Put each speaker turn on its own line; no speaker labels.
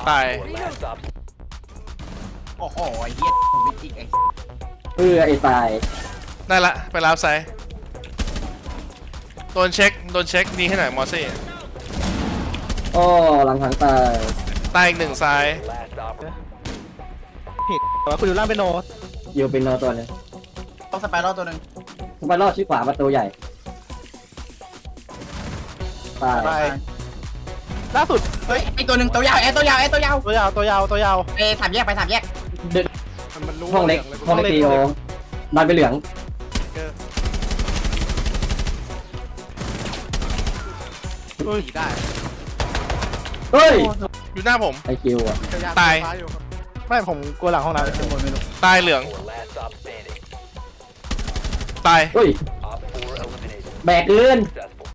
ตาย
โอ้โหไอ้เหี้ยผมไม่จิกไอ้
ไอ้ตาย
ได้ละไปรับไซด์โดนเช็คนี่ให้หน่อยมอสซี่
โอ้หลังทางตาย
ตายอีกหนึ่งซ้าย
ผิดแต่ว่าคุณอยู่ล่างเป็นโน
อยู่เป็นโนตัวหนึง
ต้องสไปรัลตัวหนึ่ง
สไปรอดชี้ขวาประตูใหญ่ตาย
ไปล่าสุด
เฮ้ยไอ้ตัวหนึ่งตัวยาวตัวยาวตัวยาว
ตัวยาวตัวยาวตัวยาว
สามแยกไปสามแยก
มันรู้
ห้องเล็กห้องเล็กตีโอดันไปเหลือง
ได้
เฮ้ย
อยู่หน้าผม
ไอคิวอ่ะ
ตาย
ไม่ผมกลัวหลังห้องน้ำเป็นคนไม่รู้
ตายเหลืองตาย
เฮ้ยแบกเกิน